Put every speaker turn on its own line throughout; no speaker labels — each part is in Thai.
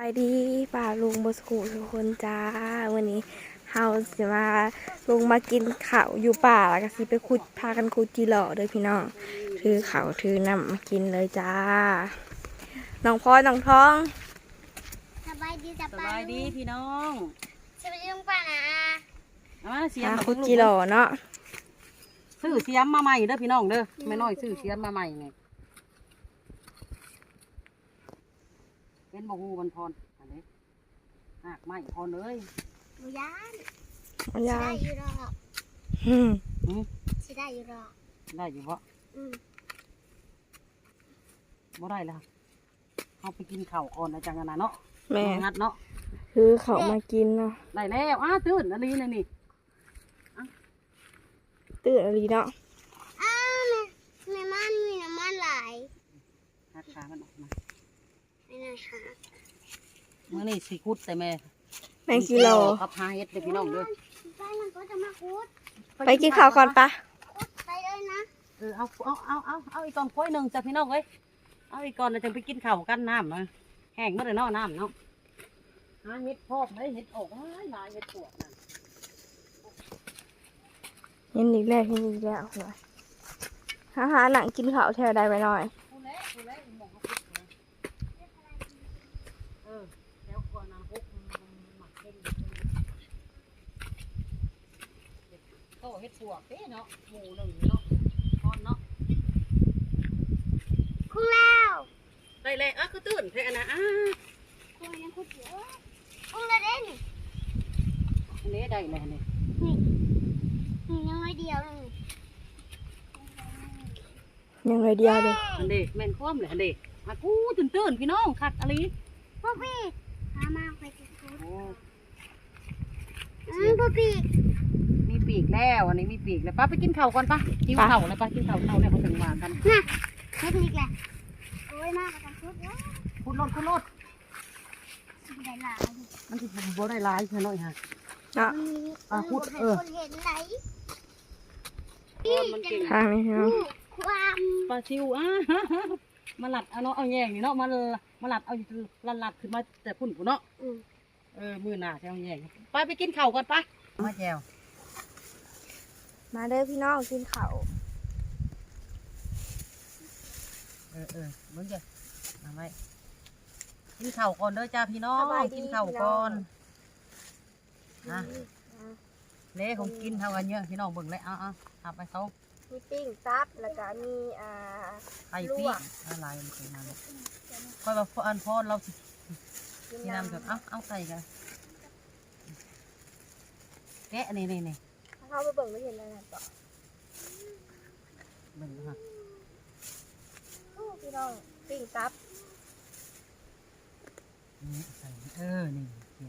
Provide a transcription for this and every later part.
ดีป่าลุงบสกุทุกคนจ้าวันนี้เฮาจะมาลงมากินข้าวอยู่ป่าแล้วก็สิไปขุดพากันขุดจีหล่อเด้อพี่น้องถือข้าวถือน้ำมากินเลยจ้าน้องพลอยน้องท้อง
สบายดีพี่น้อง
สวัสดีลุงป้านะ
มาเสียม
ขุดจีหล่อเนาะ
ซื้อเสียมมาใหม่เด้อพี่น้องเด้อไม่น้อยซื้อเสียมมาใหม่ไงเป็นบ่ฮู้บันพรอันนี้หากไม้พรเลย
หมูย่าง
มัน
สิ
ยา
ได้
ว
อยู่หรอก สิได้อยู่หรอก
ได้อยู่บ่
อืม
บ่ได้แล้วเอาไปกินข้าวก่อนนะจังกันนะเนาะ
แม่
งัดเนาะ
คือเขามากินเนาะ
ได้แล้วตื่นอันนี้นี่
ตื่นอะไรเนาะ
อ้าวแม่มันมีน้ำมันหลาย
หักขามันออกมา
ไม่น่าค่ะ
มื้อนี้สิคุดแต่แม่
แมงจีหล่อ
กับหาเฮ็ดเด้อพี่น้องเด้อ
ไปมันก็จะมาคุด
ไปกินข้าวก่อนปะ
คุดไปเลยนะ
เอาอีกก่อนพ้อยหนึ่งจ้ะพี่น้องเอ้ยเอาอีกก่อนเราจะไปกินข้าวกันน้ำนะแห้งเมื่อไรเนาะน้ำเนาะหาเห็ดพอกได้เห็ดออกหลายเห็ดปวดนะ
เห็นอีกแล้วเห็นอีกแล้วหน่อยหาหนังกินข้าวแถวใดไปหน่อย
กูเละหมองเขาพุดนะแล้วก่อนนะพุกหมักเห็ดโตเห็ดปวดเด้เนาะหมูหนึ่งเนาะทอดเนาะ
คุ้งแล้ว
ได้เลยคือตื่นเท่านะ
คุ้งยังคุดเยอะคุ้งเลยเด้นี่
อันนี้ได้เลยนี่
นี่ยังไม่เดียวเลย
ยังไงเดียวเลย
อันเด็กแม่นคว่ำเลยอันเด็กกูตื่นพี่น้องคักอะไร
พ่อพี่พามาไปกินคุด
โอ้
พ่อพี่
มีปีกแล้วอันนี้มีปีกแล้วป้าไปกินข้าวก่อนป้ากินข้าวเลยป้ากินข้าวเท่าแล้วเขาถึงมากัน
น่ะเทคนิคแหละโอ้ยมากกว่ากันคุดแล้ว
คุณรถ
สิได้หลาย
มันจะบ่ได้ร้ายใช่ไหมฮะ
เนาะ
คุดคนเห็นไหน
มันเก่ง
ทางนี้เนาะ
ความ
ปลาซิวมาหลัดเอาเนาะเอาแยงนี่เนาะมาหลัดเอาหลัดขึ้นมาแต่พุ่นกูเนาะมือหน้าจะเอาแยงไปกินข้าวก่อนป้ามาแจว
มาเด้อพี่น้องกินข้าว
เหมือนกันมาไว้กินข้าวก่อนเด้อจ้าพี่น้องกินข้าวก่อนนะเละของกินเท่ากันเยอะพี่น้องเบิ่งเลยเอาทำไปเขา
มีปิ้งซับแล้วก็มี
ไข่ปิ้งอะไรมันเป็นมาเลยค่อยมาพอนเราสินี่น้ำจดเอาใส่กันแกะนี่
เข้าไปเบิ่งไม่เห็นอะไรต่อ
เบิ่งฮะ
พี่น้องปิ้งซับ
นี่ใส่นี่นี่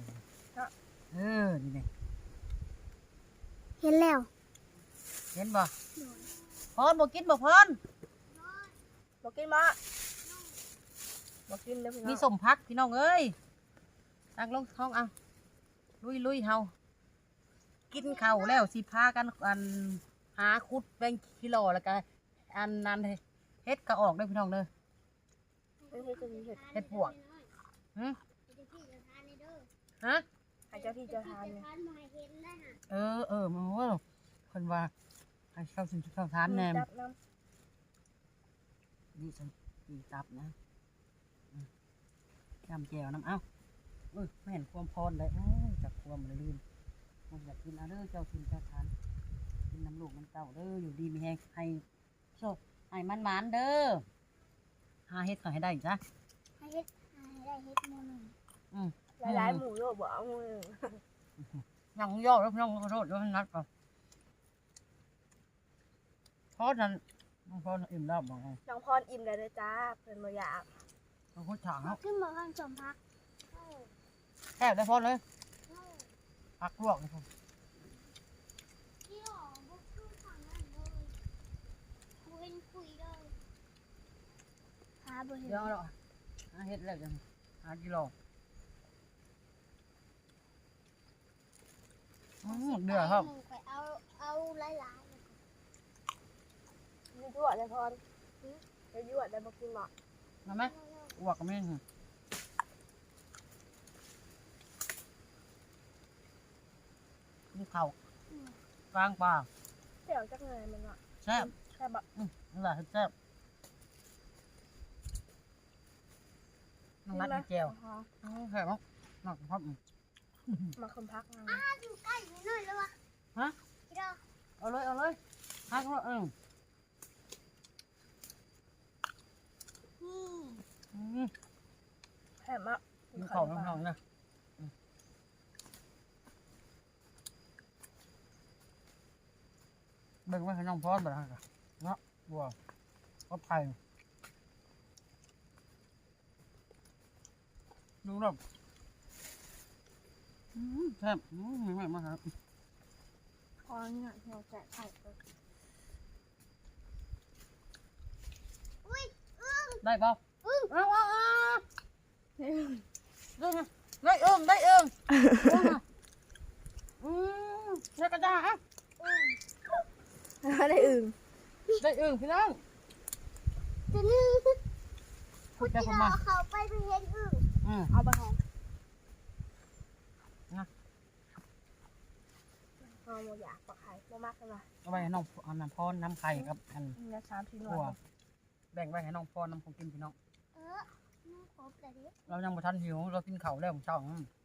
นี่
เห็นแล้ว
เห็นบ่พรบ่กินบ่พร
บอกกินมาบอกกินเด้อพี่น้อง
มีสมพักพี่น้องเอ้ยตักลงท้องเอาลุยเฮากินข้าวแล้วสิพากันหาคุดแบงกิโลแล้วก็นั้นเฮ็ดก็ออกได้พี่น้องเด้อเฮ็ดปวกฮะ
ให้เจ้าที่เจ้าทานเนี่ย
มันว่าคนว่าให้เข้าสิเข้าทานแนมนี่ฉันตีตับนะจำแจวน้ำไม่เห็นความพรเลยจากความเลยลืมผมอยากกินเอาเด้อเจ้ากินเจ้าทานกินน้ำลูกน้ำเต้าเด้ออยู่ดีมีแห้งให้โชคให้มันเด้อหาเฮ็ดขอให้ได้จ้ะ
ให้เฮ็ดได้เฮ็ดมือหนึ่ง
หลายหมูโยบเอามือ
ยังย่อแล้วพี่น้องขอโทษด้วยนัดก่อนเพราะนั้นพออิ่มแล้วบอกไง
น้องพรอิ่มแล้วเลยจ้าเพิ่นบ่อยาก
เราคุยถาง
ขึ้นมาข้างสมพัก
แค่ได้พอเลยพักลวกเลยพอ
ที่หอบุกขึ้นฝั่งนั้นเลยคุยเลยหาบ่เห็น
เดี๋ยวเราหาเฮ็ดแล้วจังหากิโลเดือดครับ
ไปเอาหลาย
มียั่วเลยพรยั่วได้บ่กินหรอก
มาไหมอ้วกก็ไม่ข้าวกลางป่า
เดี๋ยวจักเลยมันอ่ะ
แซ่บ
แค่แบบ
นั่นแหละแซ่บน้องนัดมีแจวแซ่บมั้งนักพับ
มาคนพักมา
อยู่ใกล้นิดหน่อยแล้ววะ
ฮะ
พี่ดอก
เอาเลยฮักเลย
นี่
แค่มา
กินข้าวน้องๆนะเบิ่งไว้ให้น้องพอดบ่ได้ค่ะเนาะบัวก็ไผ่ดูรอบแซ่บไม่มาครับ
พอเนี่ยเราแจกไข่
อุ้ย
ได้เปล่า
อึ้ง
เอา
นี่
ได้เอิงได้กระดาษอ่ะ
ได้อึ่ง
ได้เอิงพี่น้อง
จะนึง
พูด
พี่
ได้
ด
ประ
อ
มาณ
กเขาไปเป็นเห็นอึ่ง
เอาไปหอมเอาโมอยากปลาไข่โมมากเลย
เอาไปให้น้องเอาน้ำพรน้ำไข่ครับอัน
เนี่ย3 4หน่
บัว
วย
แบ่งไว้ให้น้องพรน้ำของกินพี่น้อง
น้องครบเลยดิ
เรายังบ่ทันหิวเรากินข้าวแล้วของเช้า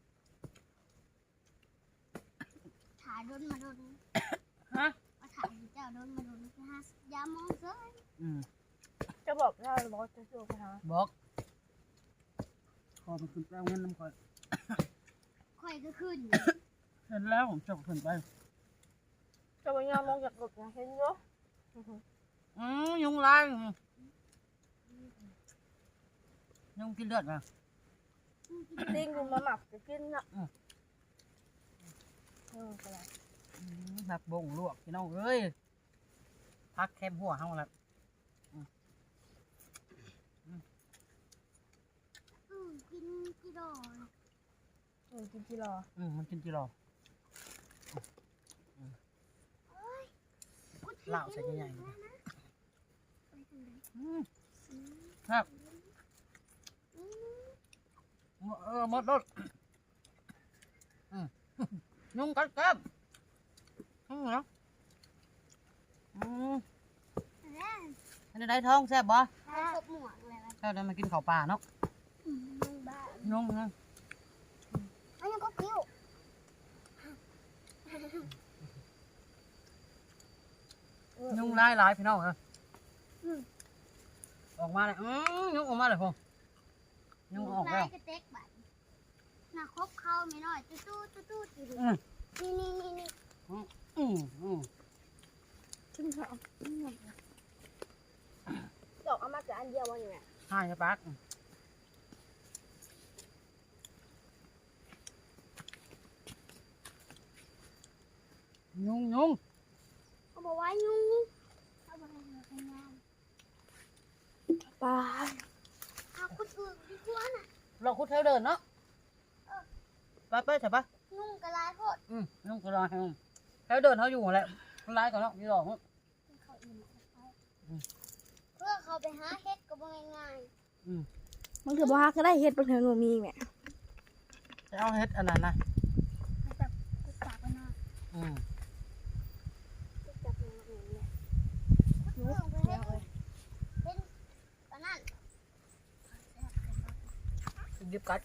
ถ่ายโดนมาโดน
ฮะ
มาถ่ายเจ้าโดนมาโดนนะฮะยามองเซ้ย
จะบอกเราบอกจะจูบไปหา
บอกขอไปขึ้นแปลเงินน้ำข่อย
ค่อยก็ขึ้น
เห็นแล้วผมจะขึ้นไป
จะไปยอมลงจากรถนะเห็นเนาะ
ยุงลายยุงกินเลือดมา
ติ้งกูมาหมักจะกินอ่ะไปแล้ว
หักบงลวกพี่น้องเอ้ยพักแคมหัวเฮาแล้ว
กินกี่ดอก
กินที่รอ
มันกินจีรอเหล้าใส่ใหญ่ๆครับหมดรถยุงกัดแก้มเหรออันนี้ได้ท้องแซ่บบ่
ถ้าครบหมวกอะไรวะ
แซ่บได้มากินข้าวปลาเนาะ
บ้า
ยุงนะ
อันนี้ก็กิ้ว
ยุงหลายพี่น้องฮะออกมาเลยยุงออกมาเลยพงยุงออกแล้ว
กระเต็กบัดน่ะครบเข้าไม่น้อยตู้อยู่ดินี่
ขึ้นเขาดอกเอามาจากอันเดียววะอยู่เนี่ย
ใช่ปักยุง
เขาบอกว่ายุงเขาบอกให้เราทำงาน
ปลา
เอาคนอื่นดีกว่าน่ะ
เราคุดเท้าเดินเนาะไปใช่ปะ
ยุงกระไรโคตร
ยุงก็รอให้เท้าเดินเขาอยู่แหละมันร้ายก่อนเนาะยี่หลอก
เขาอิ่มเพื่อเขาไปหาเห็ดก็บ่ง่าย
มันคือบ้าก็ได้เฮ็ดบนเทิงหนูมีแม่
จะเอาเฮ็ดอันนั้นนะ
ๆเขาแบบกุศลไปนอน
จับมือหนูเนี่ย
เพื่อไปเห็ดเป็นปานนั้น
ยิบกัด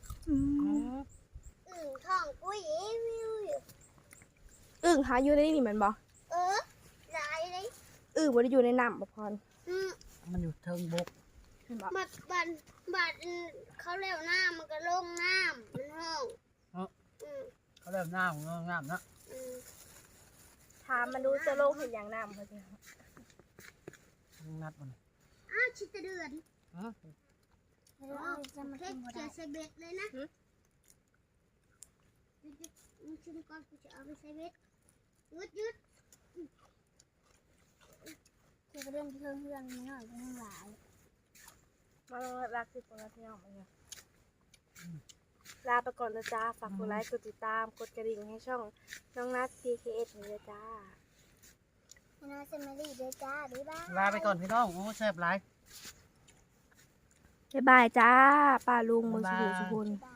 ท้องปุ้ยวิวอยู่
อึ่งหาอยู่ในนี่เหมือนบ่
หลายเลย
บ่ได้อยู่ในน้ำบ่พร
มันอยู่เทิงบก
เห็นบ่
บัดเขาเร็วน้ำมันก็ลงน้ำมันห้อง
เขาเริ่มหน้าของงามนะ
ถามมันดูจะลงเห็นอย่างน้ำเขาสิ
นัดมัน
อ้าวชิตเดือนเพชรเขียใส่เบ็ดเลยนะมึงชิมก่อนกูจะเอาไปใส่เบ็ดยืดจะไปเล่นเพื่อนไม่หน่อยเพื่อนหลาย
มารักสิคนละเที่ยวมาเนี่ยลาไปก่อนนะจ้าฝากกดไลค์กดติดตามกดกระดิ่งให้ช่องน้องนัท PKS นี่เลยจ้า
นาเซมารีด้วยจ้าบ๊ายบาย
ลาไปก่อนพี่น้องโอ้แซ่บหลาย
บ๊ายบายจ้าป้าลุงมือสุขุสุขุน
บาย